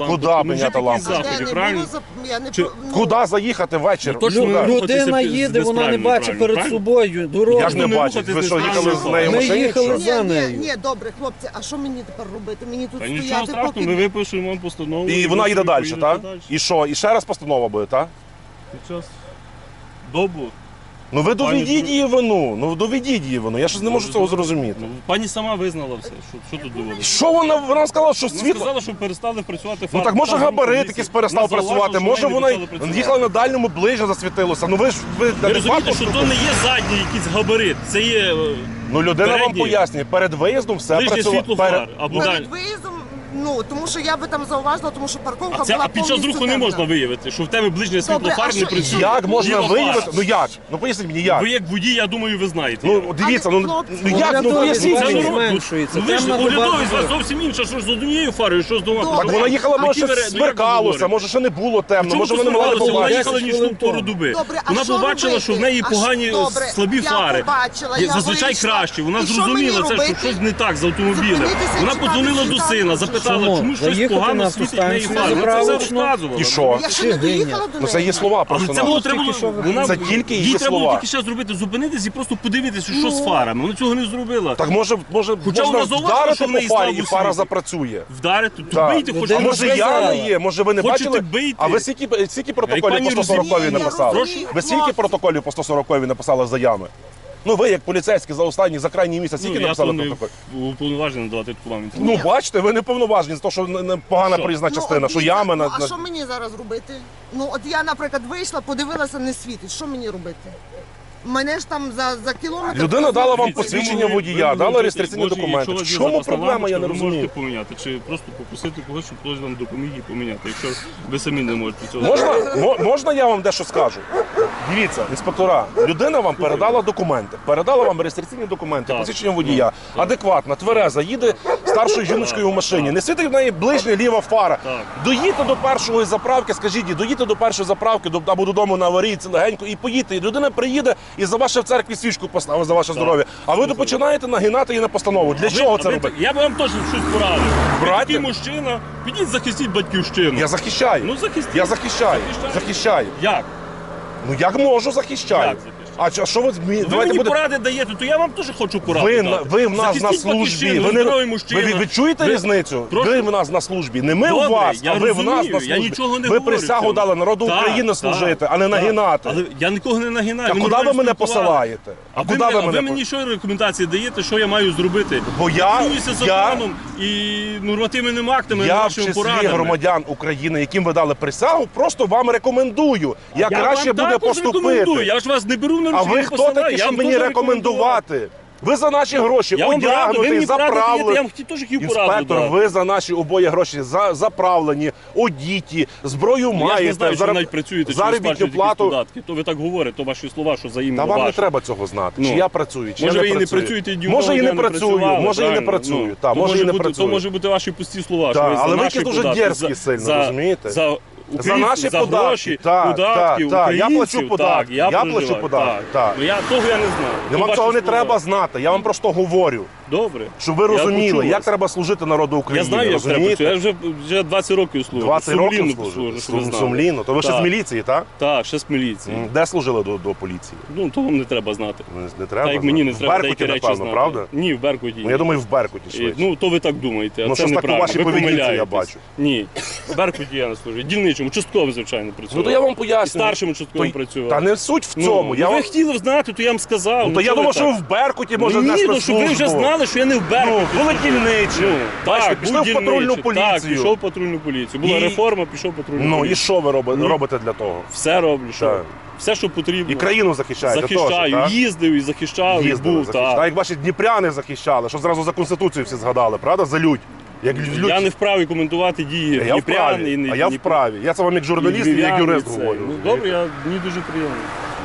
Speaker 2: лампочку.
Speaker 1: Куди
Speaker 2: Ну, вже
Speaker 1: міняти
Speaker 2: такі
Speaker 1: лампочку?
Speaker 4: Де
Speaker 2: заходи,
Speaker 4: не
Speaker 2: правильно?
Speaker 4: було зап- я не
Speaker 2: Чи-
Speaker 4: про- ну,
Speaker 1: Куди заїхати ввечері?
Speaker 2: Ну, точно
Speaker 1: Куди?
Speaker 2: не рухатися
Speaker 3: Людина
Speaker 2: під-
Speaker 3: їде,
Speaker 2: десь
Speaker 3: вона не
Speaker 2: правильно,
Speaker 3: бачить
Speaker 2: правильно,
Speaker 3: перед
Speaker 2: правильно?
Speaker 3: собою дорогу.
Speaker 1: Я ж не
Speaker 2: не
Speaker 1: бачу.
Speaker 2: рухатись
Speaker 1: Ви що,
Speaker 2: десь
Speaker 1: їхали з
Speaker 2: правильно.
Speaker 1: нею в
Speaker 3: Ми
Speaker 1: машині?
Speaker 3: їхали
Speaker 1: що?
Speaker 3: за
Speaker 4: Ні,
Speaker 3: нею.
Speaker 4: ні, добре, хлопці, а що мені тепер робити? Мені тут
Speaker 2: Та нічого
Speaker 4: стояти,
Speaker 2: страшного,
Speaker 4: поки...
Speaker 2: ми випишемо вам постанову.
Speaker 1: І вона
Speaker 2: ви
Speaker 1: їде далі,
Speaker 2: поїдете
Speaker 1: так?
Speaker 2: далі.
Speaker 1: І що? І ще раз постанова буде, так?
Speaker 2: Під час добу.
Speaker 1: Ну ви
Speaker 2: Пані
Speaker 1: доведіть
Speaker 2: Дру-
Speaker 1: її вину. Ну доведіть її вину. Я щось не можу цього зрозуміти.
Speaker 2: Ну, пані сама визнала все. Що, що тут доводити?
Speaker 1: Що вона? Вона сказала, що
Speaker 2: Вона
Speaker 1: світло.
Speaker 2: сказала, що перестали працювати
Speaker 1: Ну
Speaker 2: фари.
Speaker 1: так може
Speaker 2: Там
Speaker 1: габарит
Speaker 2: поліція.
Speaker 1: якийсь перестав
Speaker 2: Вона зауважила,
Speaker 1: працювати.
Speaker 2: що
Speaker 1: Може
Speaker 2: не
Speaker 1: вона
Speaker 2: почали працювати.
Speaker 1: їхала на дальньому ближче засвітилося. Ну ви ж ви
Speaker 2: Ви розумієте,
Speaker 1: адекватно
Speaker 2: що то не є задній якийсь габарит. Це є е,
Speaker 1: Ну людина вам
Speaker 2: передній.
Speaker 1: пояснює, перед виїздом все
Speaker 2: ближнє
Speaker 1: працювало.
Speaker 2: світло
Speaker 1: Перед-
Speaker 2: фар. Або
Speaker 4: Перед
Speaker 2: далі.
Speaker 4: виїздом, ну, тому що я би там зауважила, тому що парковка
Speaker 2: А, це,
Speaker 4: була
Speaker 2: а під час
Speaker 4: повністю
Speaker 2: руху не
Speaker 4: темна.
Speaker 2: можна виявити, що в тебе ближнє світло
Speaker 4: Добре,
Speaker 2: фар
Speaker 4: а
Speaker 2: не
Speaker 4: що-
Speaker 2: працює.
Speaker 1: Як можна
Speaker 2: Ліва
Speaker 1: виявити?
Speaker 2: фара.
Speaker 1: Ну як? Ну поясніть мені як.
Speaker 2: Ви як водій, я думаю, ви знаєте.
Speaker 1: Ну дивіться, ну,
Speaker 4: хлопці,
Speaker 1: ну як? Ну
Speaker 3: Оглядові
Speaker 1: поясніть
Speaker 3: бачать,
Speaker 1: мені.
Speaker 3: зменшується.
Speaker 2: Ну ви ж
Speaker 3: Темна доба
Speaker 2: оглядовий, з вас
Speaker 3: дуже.
Speaker 2: зовсім інша, що ж з однією фарою, що з двома.
Speaker 4: Добре.
Speaker 1: Так вона їхала,
Speaker 2: А
Speaker 1: може
Speaker 2: які
Speaker 1: ще
Speaker 2: ви- ну, як ви
Speaker 1: смеркалося,
Speaker 2: говорите?
Speaker 1: може ще не було темно,
Speaker 2: Чому
Speaker 1: може
Speaker 2: це
Speaker 1: вони не могли
Speaker 2: смеркалося? Вона
Speaker 1: побачити.
Speaker 2: їхала
Speaker 3: десять
Speaker 2: нічну
Speaker 3: хвилин
Speaker 2: пору
Speaker 3: тому.
Speaker 2: доби.
Speaker 4: Добре, а
Speaker 2: Вона
Speaker 4: що
Speaker 2: побачила,
Speaker 4: робити?
Speaker 2: що в неї
Speaker 4: А
Speaker 2: погані
Speaker 4: що- добре,
Speaker 2: слабі
Speaker 4: я
Speaker 2: фари.
Speaker 4: побачила,
Speaker 2: Є
Speaker 4: я
Speaker 2: зазвичай
Speaker 4: вийшла.
Speaker 2: краще. Вона
Speaker 4: І що
Speaker 2: зрозуміла
Speaker 4: мені
Speaker 2: це, що
Speaker 4: робити?
Speaker 2: щось не так з автомобілем.
Speaker 4: Зупинитися і
Speaker 2: Вона
Speaker 4: чекати
Speaker 2: подзвонила до
Speaker 4: світанку,
Speaker 2: сина,
Speaker 4: чи
Speaker 2: запитала,
Speaker 3: що?
Speaker 2: чому щось
Speaker 3: Заїхати
Speaker 2: погано
Speaker 3: на
Speaker 2: світить в неї
Speaker 3: автостанцію,
Speaker 2: фари. Вона це все
Speaker 3: заправочну.
Speaker 2: розказувала.
Speaker 1: І що?
Speaker 4: Я ще не
Speaker 3: Чи
Speaker 4: доїхала до
Speaker 1: Ну це її
Speaker 4: неї.
Speaker 1: слова
Speaker 2: Але
Speaker 1: просто.
Speaker 2: це було
Speaker 1: на-
Speaker 2: треба.
Speaker 3: Тільки що ви-
Speaker 2: Вона
Speaker 1: Це тільки її
Speaker 2: їй треба було
Speaker 1: слова.
Speaker 2: тільки ще зробити, зупинитись і просто подивитися, що з фарами. Вона цього не зробила.
Speaker 1: Так може, може
Speaker 2: Хоча
Speaker 1: можна
Speaker 2: вона зауважила,
Speaker 1: вдарити
Speaker 2: що в
Speaker 1: по
Speaker 2: неї
Speaker 1: фарі
Speaker 2: слабо
Speaker 1: і фара
Speaker 2: світить.
Speaker 1: запрацює.
Speaker 2: Вдарити, то
Speaker 1: Так.
Speaker 2: бийте, хоч
Speaker 1: А
Speaker 3: Людина
Speaker 1: може
Speaker 3: сказала.
Speaker 1: яма є, може ви не
Speaker 2: Хочете
Speaker 1: бачили?
Speaker 2: бийте.
Speaker 1: А ви скільки, скільки протоколів
Speaker 2: пані
Speaker 1: по сто сороковій
Speaker 2: розуміє,
Speaker 1: написали?
Speaker 4: Прошу?
Speaker 1: Ви скільки протоколів по сто сороковій написали за ями? Ну ви як поліцейські за останній, за крайній місяць, скільки
Speaker 2: Ну, я
Speaker 1: написали
Speaker 2: то не
Speaker 1: протоколів?
Speaker 2: уповноважений надавати таку вам інформацію.
Speaker 1: Ну бачите, ви не повноважені за те, що не- не погана
Speaker 2: Що?
Speaker 1: проїзна
Speaker 4: Ну,
Speaker 1: частина,
Speaker 4: от
Speaker 1: що
Speaker 4: дивіться,
Speaker 1: ями
Speaker 4: ну,
Speaker 1: на...
Speaker 4: а
Speaker 1: на-
Speaker 4: що мені зараз робити? Ну от я, наприклад, вийшла, подивилася, не світить. Що мені робити? Мене ж там за, за кілометр...
Speaker 1: Людина дала вам
Speaker 2: Дивіться,
Speaker 1: посвідчення
Speaker 2: ви могли-
Speaker 1: водія,
Speaker 2: ви
Speaker 1: дала
Speaker 2: можете-
Speaker 1: реєстраційні
Speaker 2: може,
Speaker 1: документи.
Speaker 2: якщо у
Speaker 1: В
Speaker 2: вас є
Speaker 1: чому
Speaker 2: запасна
Speaker 1: проблема, я не
Speaker 2: лампочка, ви
Speaker 1: розумію.
Speaker 2: можете поміняти, чи просто попросити когось, щоб хтось вам допоміг і поміняти, якщо ви самі не можете цього.
Speaker 1: Можна, мо- можна я вам дещо скажу? Дивіться, інспектора, людина вам передала документи, передала вам реєстраційні документи,
Speaker 2: Так.
Speaker 1: посвідчення водія, адекватна, твереза, їде старшою жіночкою в машині, не світить в неї ближня ліва фара.
Speaker 2: Так.
Speaker 1: Доїдьте до першої заправки, скажіть, їй, доїдьте до першої заправки, до, або додому на аварійці легенько і поїдьте. І людина приїде і за ваше в церкві свічку поставить за ваше здоров'я. А ви починаєте нагинати її на постанову. Для
Speaker 2: А ви-
Speaker 1: чого
Speaker 2: а
Speaker 1: це
Speaker 2: ви-
Speaker 1: робити?
Speaker 2: Я би вам теж щось порадив. Ви
Speaker 1: Браття?
Speaker 2: такий мужчина, підіть захистіть батьківщину.
Speaker 1: Я захищаю.
Speaker 2: Ну захистіть.
Speaker 1: Я захищаю.
Speaker 2: Захищаєте?
Speaker 1: Захищаю.
Speaker 2: Як?
Speaker 1: Ну як можу, захищаю.
Speaker 2: Як захищаєте?
Speaker 1: А чо- що ви змі-
Speaker 2: Ви
Speaker 1: давайте
Speaker 2: мені
Speaker 1: буде.
Speaker 2: поради даєте, то я вам теж хочу поради
Speaker 1: Ви,
Speaker 2: дати.
Speaker 1: на- ви в нас на
Speaker 2: Захистіть
Speaker 1: службі.
Speaker 2: батьківщину,
Speaker 1: Ви, не,
Speaker 2: здоровий
Speaker 1: ви,
Speaker 2: мужчина.
Speaker 1: ви, ви чуєте
Speaker 2: Ви-
Speaker 1: різницю?
Speaker 2: Прошу?
Speaker 1: Ви в нас на службі. Не ми
Speaker 2: Добре,
Speaker 1: у вас,
Speaker 2: я
Speaker 1: а ви в нас
Speaker 2: розумію,
Speaker 1: на
Speaker 2: я
Speaker 1: службі.
Speaker 2: нічого не
Speaker 1: ви
Speaker 2: говорю
Speaker 1: присягу
Speaker 2: цього.
Speaker 1: дали народу
Speaker 2: Так,
Speaker 1: України
Speaker 2: так,
Speaker 1: служити, а не
Speaker 2: так.
Speaker 1: нагинати.
Speaker 2: Але я нікого не нагинаю.
Speaker 1: Та
Speaker 2: ми
Speaker 1: куди ви
Speaker 2: нормально
Speaker 1: мене
Speaker 2: спілкувалися.
Speaker 1: посилаєте?
Speaker 2: А ви,
Speaker 1: куди
Speaker 2: мене-
Speaker 1: ви
Speaker 2: а ви
Speaker 1: мене
Speaker 2: мені що рекомендації даєте, що я маю зробити?
Speaker 1: Бо я-
Speaker 2: Керуюся
Speaker 1: я-
Speaker 2: законом і нормативними актами,
Speaker 1: Я в
Speaker 2: вашими
Speaker 1: числі
Speaker 2: порадами.
Speaker 1: громадян України, яким ви дали присягу, просто вам рекомендую, як
Speaker 2: Я
Speaker 1: краще
Speaker 2: вам
Speaker 1: буде
Speaker 2: також рекомендую.
Speaker 1: поступити.
Speaker 2: Я ж вас не беру на
Speaker 1: А
Speaker 2: руки,
Speaker 1: ви
Speaker 2: не
Speaker 1: хто
Speaker 2: посилаю.
Speaker 1: такі,
Speaker 2: Я
Speaker 1: щоб
Speaker 2: вам
Speaker 1: мені
Speaker 2: теж
Speaker 1: рекомендувати? Ви за наші гроші
Speaker 2: Я вам раду, ви
Speaker 1: одягнутий,
Speaker 2: мені пораду даєте, я
Speaker 1: заправлений.
Speaker 2: вам хотів теж хотів пораду
Speaker 1: Інспектор,
Speaker 2: дати.
Speaker 1: ви за наші обоє гроші за, заправлені, одіті, зброю
Speaker 2: Ну, я ж
Speaker 1: маєте,
Speaker 2: не знаю, що
Speaker 1: зараб-
Speaker 2: ви навіть працюєте, чи ви
Speaker 1: заробітну
Speaker 2: сплачуєте якісь
Speaker 1: плату.
Speaker 2: податки. То ви так говорите, то ваші слова, що взаємно
Speaker 1: Та вам не
Speaker 2: ваше.
Speaker 1: треба цього знати.
Speaker 2: Ну.
Speaker 1: Чи я працюю, чи
Speaker 2: Може
Speaker 1: я
Speaker 2: ви
Speaker 1: не
Speaker 2: і не
Speaker 1: працюю.
Speaker 2: працюєте, і ні
Speaker 1: Може і
Speaker 2: одного
Speaker 1: не
Speaker 2: дня
Speaker 1: працюю,
Speaker 2: працювали,
Speaker 1: може і не
Speaker 2: правильно?
Speaker 1: працюю.
Speaker 2: Ну,
Speaker 1: Та,
Speaker 2: то
Speaker 1: може і не
Speaker 2: бути-
Speaker 1: працюю.
Speaker 2: То може бути ваші пусті слова,
Speaker 1: Та,
Speaker 2: що ви за
Speaker 1: але ви
Speaker 2: наші
Speaker 1: якісь дуже
Speaker 2: податки,
Speaker 1: дерзкі
Speaker 2: за-
Speaker 1: сильно,
Speaker 2: за-
Speaker 1: розумієте?
Speaker 2: За,
Speaker 1: За
Speaker 2: українців,
Speaker 1: наші
Speaker 2: за
Speaker 1: податки,
Speaker 2: гроші,
Speaker 1: так,
Speaker 2: податки,
Speaker 1: так, так, я плачу
Speaker 2: українців,
Speaker 1: податки,
Speaker 2: так, я,
Speaker 1: я плачу
Speaker 2: проживаю,
Speaker 1: податки, так.
Speaker 2: Ну, я того я не знаю. То
Speaker 1: Вам
Speaker 2: ваші
Speaker 1: цього не
Speaker 2: слова.
Speaker 1: треба знати, я вам просто говорю,
Speaker 2: Добре.
Speaker 1: щоб ви
Speaker 2: Я
Speaker 1: розуміли,
Speaker 2: почув
Speaker 1: як
Speaker 2: вас.
Speaker 1: треба служити народу
Speaker 2: Я
Speaker 1: України.
Speaker 2: знаю, як треба
Speaker 1: розумієте?
Speaker 2: працювати. Я вже, вже двадцять років служу.
Speaker 1: двадцять років
Speaker 2: Сумлінно
Speaker 1: служите?
Speaker 2: служу, щоб ви
Speaker 1: Сум-
Speaker 2: знали.
Speaker 1: Сумлінно? То ви ще з
Speaker 2: Так.
Speaker 1: міліції, так?
Speaker 2: Так, ще з міліції.
Speaker 1: М, Де служили до, до поліції?
Speaker 2: Ну, то вам не треба знати.
Speaker 1: Не, не треба
Speaker 2: Так як мені не
Speaker 1: знати.
Speaker 2: треба
Speaker 1: В
Speaker 2: деякі
Speaker 1: Беркуті,
Speaker 2: речі
Speaker 1: напевно,
Speaker 2: знати.
Speaker 1: правда?
Speaker 2: Ні, в Беркуті.
Speaker 1: Ну, я думаю, в Беркуті
Speaker 2: І,
Speaker 1: швидше.
Speaker 2: ну, то ви так думаєте, а
Speaker 1: Ну,
Speaker 2: це
Speaker 1: щось так у
Speaker 2: неправильно.
Speaker 1: вашій
Speaker 2: Ви
Speaker 1: поведінці я
Speaker 2: помиляєтесь.
Speaker 1: бачу.
Speaker 2: Ні, в Беркуті я не служу. Дільничому, частково, звичайно, працював.
Speaker 1: Ну то я вам
Speaker 2: І
Speaker 1: поясню.
Speaker 2: старшим участковим
Speaker 1: То-
Speaker 2: працював.
Speaker 1: Та не суть в
Speaker 2: Ну,
Speaker 1: цьому.
Speaker 2: ну,
Speaker 1: я
Speaker 2: ви
Speaker 1: вам...
Speaker 2: хотіли знати, то я вам сказав.
Speaker 1: Ну, то я
Speaker 2: чого
Speaker 1: думав,
Speaker 2: ви
Speaker 1: що ви
Speaker 2: так?
Speaker 1: в Беркуті може
Speaker 2: Ні,
Speaker 1: нести
Speaker 2: ну, щоб ви вже
Speaker 1: службу.
Speaker 2: знали, що я не в Беркуті.
Speaker 1: Ну, були дільничі.
Speaker 2: Ну,
Speaker 1: Бачите,
Speaker 2: так,
Speaker 1: пішли
Speaker 2: був
Speaker 1: в патрульну
Speaker 2: дільничий. Так,
Speaker 1: поліцію.
Speaker 2: пішов в патрульну поліцію. Була
Speaker 1: І-
Speaker 2: реформа, пішов в патрульну
Speaker 1: Ну і
Speaker 2: поліцію.
Speaker 1: що ви робите,
Speaker 2: Ні.
Speaker 1: робите для того?
Speaker 2: Все роблю, що?
Speaker 1: Так.
Speaker 2: Все, що потрібно.
Speaker 1: І країну захищаєте
Speaker 2: захищаю,
Speaker 1: теж, так?
Speaker 2: їздив і захищав, і
Speaker 1: Їздили,
Speaker 2: був.
Speaker 1: захищали.
Speaker 2: Так.
Speaker 1: А як ваші дніпряни захищали, що зразу за Конституцію всі згадали, правда? За людь. Як людь.
Speaker 2: Я не вправі коментувати дії
Speaker 1: я
Speaker 2: Дніпрян і
Speaker 1: вправі,
Speaker 2: не
Speaker 1: а я
Speaker 2: Дніп-
Speaker 1: вправі. Я це вам як
Speaker 2: і
Speaker 1: журналіст і як
Speaker 2: львів'ян,
Speaker 1: юрист
Speaker 2: і це.
Speaker 1: говорю.
Speaker 2: Ну добре, я мені дуже приємно.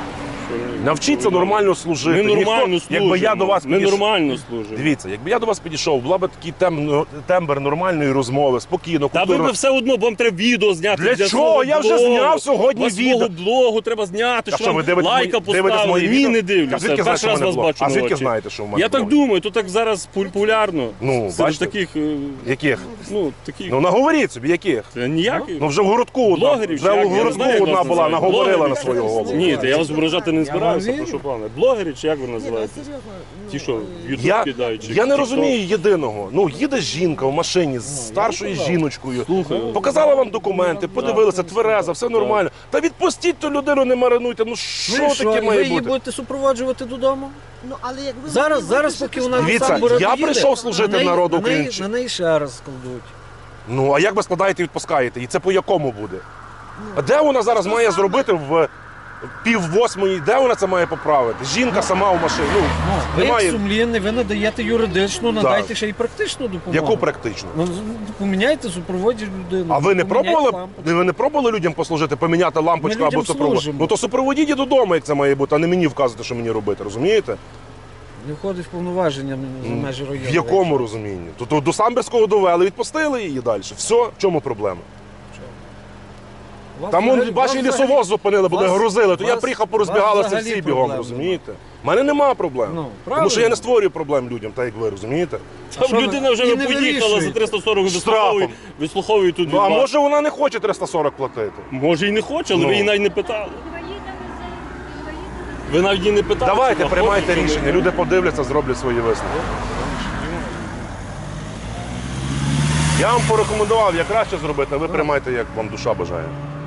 Speaker 1: Навчіться нормально служити.
Speaker 2: Ми нормально
Speaker 1: Ніхто-
Speaker 2: служимо.
Speaker 1: Якби я до вас
Speaker 2: Ми
Speaker 1: підійшов-
Speaker 2: нормально служимо.
Speaker 1: Дивіться, якби я до вас підійшов, була б такий тем... тембр нормальної розмови, спокійно,
Speaker 2: Та ви
Speaker 1: культурно.
Speaker 2: б все одно, бо вам треба відео зняти.
Speaker 1: Для чого?
Speaker 2: свого
Speaker 1: Я вже
Speaker 2: блогу.
Speaker 1: зняв сьогодні
Speaker 2: У вас
Speaker 1: відео.
Speaker 2: свого блогу треба зняти,
Speaker 1: А
Speaker 2: що
Speaker 1: що, ви
Speaker 2: вам
Speaker 1: дивитесь
Speaker 2: лайка
Speaker 1: мої- дивитесь
Speaker 2: поставили.
Speaker 1: мої
Speaker 2: Ні,
Speaker 1: відео?
Speaker 2: не
Speaker 1: А
Speaker 2: дивлюся.
Speaker 1: звідки знаєте,
Speaker 2: Перший
Speaker 1: що
Speaker 2: раз
Speaker 1: в мене
Speaker 2: вас
Speaker 1: блог?
Speaker 2: бачу
Speaker 1: А
Speaker 2: на
Speaker 1: звідки
Speaker 2: очі.
Speaker 1: знаєте, що в мене
Speaker 2: Я так
Speaker 1: блог?
Speaker 2: думаю, то так зараз популярно.
Speaker 1: Ну,
Speaker 2: Серед
Speaker 1: бачите?
Speaker 2: таких, е,
Speaker 1: Яких?
Speaker 2: ну, таких,
Speaker 1: Ну наговоріть собі, яких?
Speaker 2: Та ніяких.
Speaker 1: Ну вже в городку одна,
Speaker 2: Блогерів,
Speaker 1: вже
Speaker 2: чи як?
Speaker 1: в
Speaker 2: Я не
Speaker 1: городку
Speaker 2: знаю, як
Speaker 1: одна
Speaker 2: вас
Speaker 1: була,
Speaker 2: називають.
Speaker 1: наговорила на
Speaker 2: Блогерів?
Speaker 1: свою голову.
Speaker 2: Ні, та я вас ображати не збираюся,
Speaker 3: вірю.
Speaker 2: прошу пане. Блогери чи як ви
Speaker 4: Ні, ну,
Speaker 2: називаєте?
Speaker 4: серйозно. ну,
Speaker 2: Ті, що в Ютуб
Speaker 1: Я,
Speaker 2: кидають? чи
Speaker 1: я не
Speaker 2: в TikTok?
Speaker 1: розумію єдиного. Ну, їде жінка в машині з старшою жіночкою, показала вам документи, подивилася, твереза, все нормально. Та відпустіть ту людину, не маринуйте. Ну
Speaker 3: Ну
Speaker 1: що
Speaker 3: і що,
Speaker 1: таке
Speaker 3: і ви
Speaker 1: має
Speaker 3: її
Speaker 1: бути?
Speaker 3: будете супроводжувати додому?
Speaker 4: Ну, але як ви
Speaker 3: Зараз,
Speaker 4: могли
Speaker 3: зараз,
Speaker 4: вирішити,
Speaker 3: поки
Speaker 4: що
Speaker 3: вона
Speaker 4: там
Speaker 1: Дивіться,
Speaker 3: сам буде
Speaker 1: я
Speaker 3: їде,
Speaker 1: прийшов служити
Speaker 3: на неї-
Speaker 1: народу
Speaker 3: на неї-
Speaker 1: українців.
Speaker 3: На неї ще раз складуть.
Speaker 1: Ну, а як ви складаєте і відпускаєте? І це по якому буде? А де вона зараз має зробити в пів восьмої? Де вона це має поправити? Жінка сама в машині. Ну,
Speaker 3: Ви як
Speaker 1: немає.
Speaker 3: сумлінний, ви надаєте юридичну, надайте ще й практичну допомогу.
Speaker 1: Яку практично?
Speaker 3: Ну, з- поміняйте супроводі людину.
Speaker 1: А ви не
Speaker 3: поміняйте
Speaker 1: пробували?
Speaker 3: лампочку.
Speaker 1: Ви не пробували людям послужити, поміняти лампочку
Speaker 3: Ми
Speaker 1: або
Speaker 3: людям
Speaker 1: супроводити?
Speaker 3: служимо.
Speaker 1: Ну то супроводіть і додому, як це має бути, а не мені вказувати, що мені робити, розумієте?
Speaker 3: Не входить в повноваження за межі району.
Speaker 1: В якому розумінні? То, то до Самбірського довели, відпустили її далі. Все, в чому проблема?
Speaker 3: Вас
Speaker 1: Там он,
Speaker 3: взагалі-
Speaker 1: ваші
Speaker 3: вас
Speaker 1: лісовоз
Speaker 3: взагалі-
Speaker 1: зупинили, були
Speaker 3: вас-
Speaker 1: грузили, то я
Speaker 3: вас-
Speaker 1: приїхав,
Speaker 3: вас
Speaker 1: порозбігалися
Speaker 3: взагалі
Speaker 1: всі бігом,
Speaker 3: проблем
Speaker 1: розумієте? У мене нема проблем.
Speaker 3: Ну,
Speaker 1: Тому
Speaker 3: правильно.
Speaker 1: що я не створюю проблем людям, так як ви, розумієте?
Speaker 2: Там
Speaker 3: що ви-
Speaker 2: людина вже
Speaker 3: і
Speaker 2: не
Speaker 3: не
Speaker 2: поїхала за
Speaker 3: вирішуєте.
Speaker 2: триста сорок
Speaker 1: Штрафом.
Speaker 2: вислуховує, вислуховує тут
Speaker 1: Ну а
Speaker 2: від вас.
Speaker 1: може вона не хоче триста сорок платити?
Speaker 2: Може і не хоче, але
Speaker 1: Ну.
Speaker 2: ви її навіть не питали. Ви навіть її не питали.
Speaker 1: Давайте,
Speaker 2: чи вона
Speaker 1: приймайте
Speaker 2: хоче, чи
Speaker 1: рішення.
Speaker 2: не.
Speaker 1: Люди подивляться, зроблять свої висновки. Я вам порекомендував, як краще зробити, а ви приймайте, як вам душа бажає.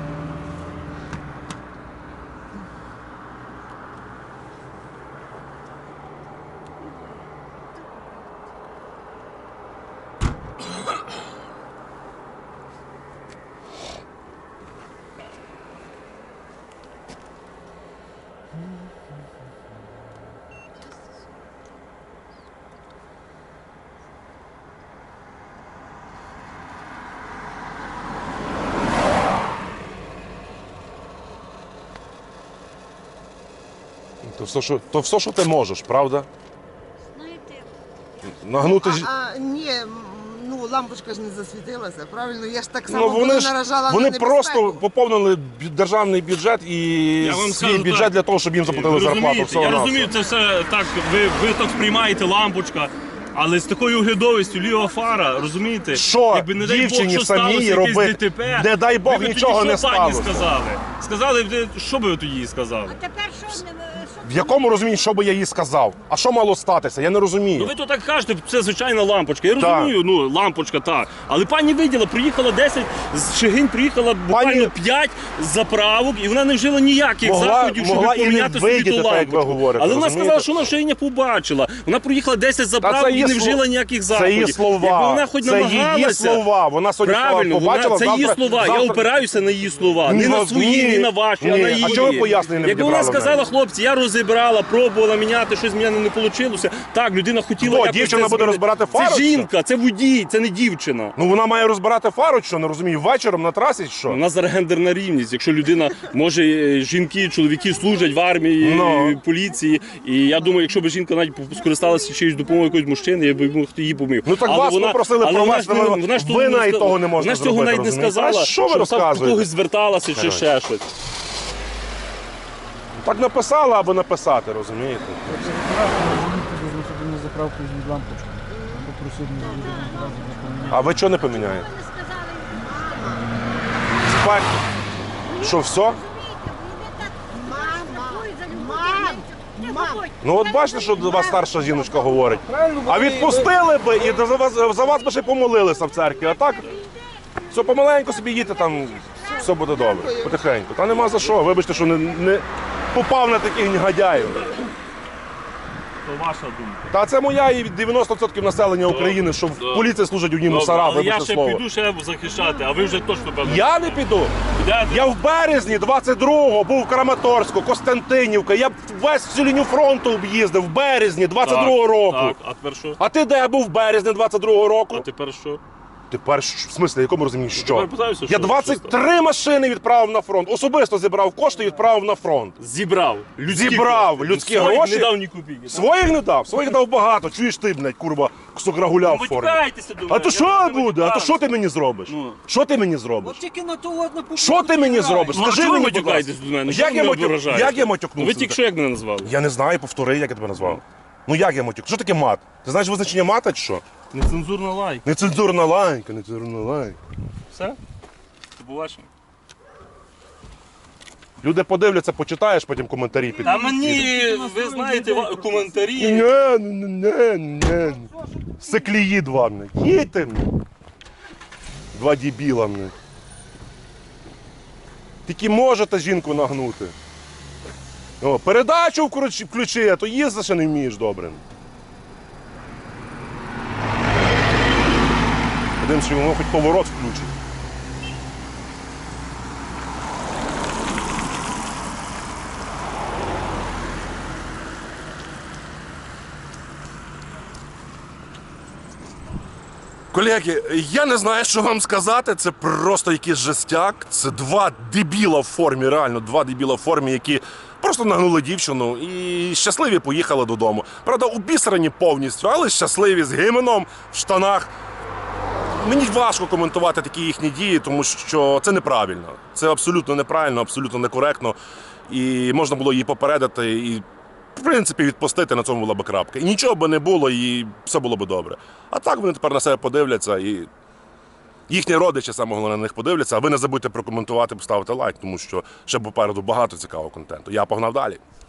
Speaker 1: То все, що, то все, що ти можеш, правда?
Speaker 5: Знаєте,
Speaker 1: Нагнути ж.
Speaker 4: А, а, ні, м, ну лампочка ж не засвітилася, правильно? Я ж так само
Speaker 1: Ну, вони
Speaker 4: коли
Speaker 1: ж
Speaker 4: наражала
Speaker 1: вони
Speaker 4: на
Speaker 1: просто
Speaker 4: небезпеку.
Speaker 1: поповнили бю- державний бюджет і
Speaker 2: Я вам
Speaker 1: свій
Speaker 2: скажу
Speaker 1: бюджет
Speaker 2: так.
Speaker 1: для того, щоб їм заплатили
Speaker 2: Ви
Speaker 1: зарплату.
Speaker 2: розумієте,
Speaker 1: Всього
Speaker 2: я
Speaker 1: на
Speaker 2: розумію, це все так, ви, ви так сприймаєте лампочка, але з такою оглядовістю ліва фара, розумієте?
Speaker 1: Що
Speaker 2: якби, не дай
Speaker 1: дівчині
Speaker 2: Бог, що
Speaker 1: самій
Speaker 2: сталося, якесь
Speaker 1: робити?
Speaker 2: ДТП,
Speaker 1: Не дай Бог,
Speaker 2: ви б тоді
Speaker 1: нічого
Speaker 2: що
Speaker 1: не
Speaker 2: пані
Speaker 1: сталося.
Speaker 2: сказали? Сказали, ви- що би ви тоді їй сказали?
Speaker 5: а тепер що не
Speaker 1: В якому розумінні, що би я їй сказав? А що мало статися? Я не розумію.
Speaker 2: Ну ви то так кажете, це звичайна лампочка. Я
Speaker 1: Так.
Speaker 2: розумію, ну лампочка так. Але пані виділа, приїхала десять, з Шегинь приїхала буквально
Speaker 1: Пані-
Speaker 2: п'ять заправок, і вона не вжила ніяких
Speaker 1: Могла-
Speaker 2: заходів, щоб
Speaker 1: могла і не
Speaker 2: поміняти собі
Speaker 1: видіти,
Speaker 2: ту
Speaker 1: так, як ви
Speaker 2: лампочку.
Speaker 1: говорите,
Speaker 2: Але вона
Speaker 1: розумієте?
Speaker 2: сказала, що вона вже її не побачила. Вона проїхала десять заправок і
Speaker 1: її
Speaker 2: не
Speaker 1: сло-
Speaker 2: вжила ніяких
Speaker 1: Це
Speaker 2: заходів.
Speaker 1: її слова.
Speaker 2: Якби вона хоч
Speaker 1: це її
Speaker 2: намагалася.
Speaker 1: слова. Вона сьогодні
Speaker 2: Правильно,
Speaker 1: побачила,
Speaker 2: вона, це її
Speaker 1: завтра-
Speaker 2: слова.
Speaker 1: завтра-
Speaker 2: Я опираюся на її слова.
Speaker 1: Ні,
Speaker 2: не на
Speaker 1: ну,
Speaker 2: свої,
Speaker 1: ні,
Speaker 2: ні на ваші, а
Speaker 1: ні.
Speaker 2: на
Speaker 1: А
Speaker 2: її.
Speaker 1: чого ви пояснення не
Speaker 2: Якби вона
Speaker 1: відібрали в
Speaker 2: сказала,
Speaker 1: мене?
Speaker 2: хлопці, я розібрала, пробувала міняти, щось в мене не вийшло. Так, людина хотіла.
Speaker 1: Хто,
Speaker 2: якось
Speaker 1: дівчина
Speaker 2: це
Speaker 1: буде
Speaker 2: змінити.
Speaker 1: розбирати фару,
Speaker 2: Це
Speaker 1: що?
Speaker 2: жінка, це водій, це не дівчина.
Speaker 1: Ну вона має розбирати фару, що не розумію, вечором на трасі, що?
Speaker 2: У нас зараз гендерна рівність. Якщо людина може, е, жінки, чоловіки служать в армії,
Speaker 1: Ну.
Speaker 2: в поліції. І я думаю, якщо б жінка навіть скористалася чиюсь допомогою якогось мужчини, я б мог її помив.
Speaker 1: Ну так
Speaker 2: Але
Speaker 1: вас
Speaker 2: вона-
Speaker 1: попросили
Speaker 2: але вона ж
Speaker 1: провести,
Speaker 2: не-
Speaker 1: ви-
Speaker 2: вона ж
Speaker 1: ви
Speaker 2: того не
Speaker 1: навіть
Speaker 2: ска-
Speaker 1: того не можете
Speaker 2: Вона ж цього
Speaker 1: зробити,
Speaker 2: навіть не
Speaker 1: розумієте?
Speaker 2: сказала,
Speaker 1: А що ви
Speaker 2: там до
Speaker 1: розказуєте?
Speaker 2: когось зверталася чи ще щось.
Speaker 1: Так написала або написати, розумієте?
Speaker 3: на заправку від лампочку. Попросив мене одразу запоміняти.
Speaker 1: А ви чого не поміняєте?
Speaker 5: не сказали?
Speaker 1: Спать. Що, все?
Speaker 5: Мам, мам,
Speaker 1: Ну от бачите, що до вас старша жіночка говорить.
Speaker 3: Правильно,
Speaker 1: А
Speaker 3: вони-
Speaker 1: відпустили би і за вас, за вас би ще й помолилися в церкві. А так, все помаленьку собі їдьте, там все буде добре. Потихеньку. Та нема за що. Вибачте, що не, не попав на таких негодяїв.
Speaker 2: То ваша думка.
Speaker 1: Та це моя і дев'яносто відсотків населення України, що в поліції служать одні мусора,
Speaker 2: Але я
Speaker 1: вибачте
Speaker 2: ще
Speaker 1: слово.
Speaker 2: піду ще захищати, а ви вже точно певно.
Speaker 1: Я не піду.
Speaker 2: Підете?
Speaker 1: Я в березні двадцять другого був в Краматорську, Костянтинівка. Я весь всю лінію фронту об'їздив в березні двадцять другого року.
Speaker 2: Так, а тепер що?
Speaker 1: А ти де був в березні двадцять другого року?
Speaker 2: А тепер що?
Speaker 1: Тепер, в смислі, в якому розумінні, що?
Speaker 2: Тепер питаюся,
Speaker 1: Я
Speaker 2: що-
Speaker 1: двадцять
Speaker 2: що
Speaker 1: три машини відправив на фронт. Особисто зібрав кошти і відправив на фронт.
Speaker 2: Зібрав. Людські
Speaker 1: Зібрав
Speaker 2: кошти.
Speaker 1: людські
Speaker 2: Своїх
Speaker 1: гроші.
Speaker 2: Не дав ні копійки. так?
Speaker 1: Своїх не дав, своїх дав багато. Чуєш ти, блядь, курва, кусок рагуля в
Speaker 2: Ви
Speaker 1: формі.
Speaker 2: тікаєтеся до мене.
Speaker 1: А то
Speaker 2: я
Speaker 1: що
Speaker 2: не
Speaker 1: буде? А то
Speaker 2: матюкаюся.
Speaker 1: що ти мені зробиш?
Speaker 2: Ну.
Speaker 1: Що ти мені зробиш?
Speaker 3: От тільки на ту одну попу.
Speaker 1: Що ти мені зробиш?
Speaker 2: Ну, а
Speaker 1: Скажи
Speaker 2: чого ви
Speaker 1: мені, будь
Speaker 2: матюкаєтесь
Speaker 1: ласка.
Speaker 2: до мене?
Speaker 1: Як
Speaker 2: Чого ви
Speaker 1: я
Speaker 2: мене
Speaker 1: матюк-
Speaker 2: ображаєте?
Speaker 1: як я матюкнувся?
Speaker 2: Ви тільки що як мене назвали?
Speaker 1: Я не знаю, повтори, як я тебе назвав. Ну як я матюк? Що таке мат? Ти знаєш визначення мата чи що?
Speaker 2: Нецензурна лайк.
Speaker 1: Нецензурна лайка, нецензурна лайка.
Speaker 2: Все? До побачення.
Speaker 1: Люди подивляться, почитаєш, потім коментарі під.
Speaker 2: Та мені, ви знаєте, ва- коментарі.
Speaker 1: Ні, ні, ні, ні. Секлії два, блядь. Їдьте, блядь. Два дебіла, блядь. Тільки можете жінку нагнути. О, передачу вкруч- включи, а то їздити ще не вмієш добре. Подивимось, чи воно хоч поворот включить. Колеги, я не знаю, що вам сказати. Це просто якийсь жестяк. Це два дебіла в формі, реально, два дебіла в формі, які просто нагнули дівчину і щасливі поїхали додому. Правда, обісрані повністю, але щасливі з гименом в штанах. Мені важко коментувати такі їхні дії, тому що це неправильно. Це абсолютно неправильно, абсолютно некоректно. І можна було її попередити і, в принципі, відпустити, на цьому була б крапка. І нічого би не було, і все було б добре. А так вони тепер на себе подивляться, і їхні родичі саме головне на них подивляться. А ви не забудьте прокоментувати, поставити лайк, тому що ще попереду багато цікавого контенту. Я погнав далі.